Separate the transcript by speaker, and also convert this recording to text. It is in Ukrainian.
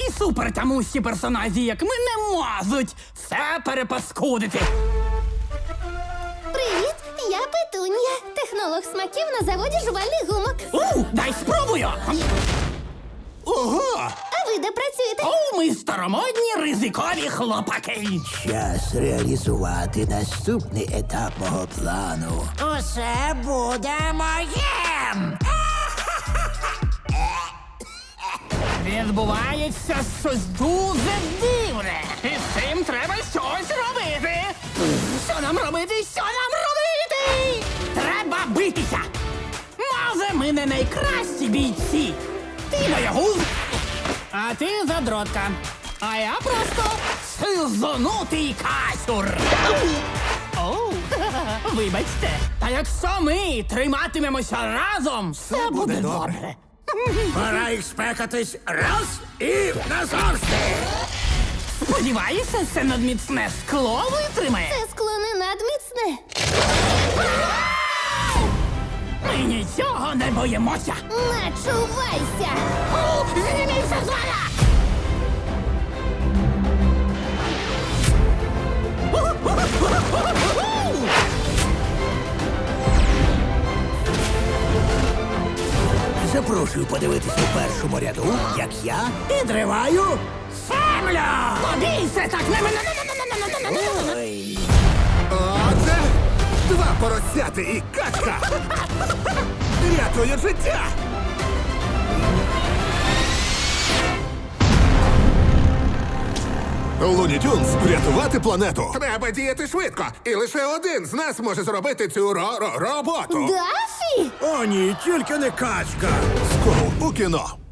Speaker 1: такі супертамусі персонажі, як ми, не можуть все перепаскудити.
Speaker 2: Привіт, я Петунія, технолог смаків на заводі жувальних гумок.
Speaker 1: Дай спробую!
Speaker 3: Ого!
Speaker 2: А ви де працюєте?
Speaker 1: Ми старомодні ризикові хлопаки.
Speaker 4: Час реалізувати наступний етап мого плану.
Speaker 5: Усе буде моїм!
Speaker 1: Відбувається щось дуже дивне. І з цим треба щось робити. Що нам робити? Що нам робити? Треба битися. Може, ми не найкращі бійці. Ти боягуз, а ти задротка. А я просто сизонутий касюр. Оу, вибачте. Та якщо ми триматимемося разом, все буде добре.
Speaker 3: Пора їх спекатись раз і назавжди!
Speaker 1: Сподіваюся, це надміцне скло витримає.
Speaker 2: Це скло не надміцне.
Speaker 1: Ми нічого не боїмося.
Speaker 2: Начувайся!
Speaker 1: Зніміться з мене!
Speaker 4: Запрошую подивитися у першому ряду, як я підриваю
Speaker 1: Землю! Побійся так!
Speaker 4: Ой.
Speaker 3: Оце два поросяти і качка! Рятує життя! Луні Тюнс, врятувати планету! Треба діяти швидко, і лише один з нас може зробити цю роботу.
Speaker 2: Дафі!
Speaker 4: О, ні, тільки не качка.
Speaker 3: Скоро у кіно.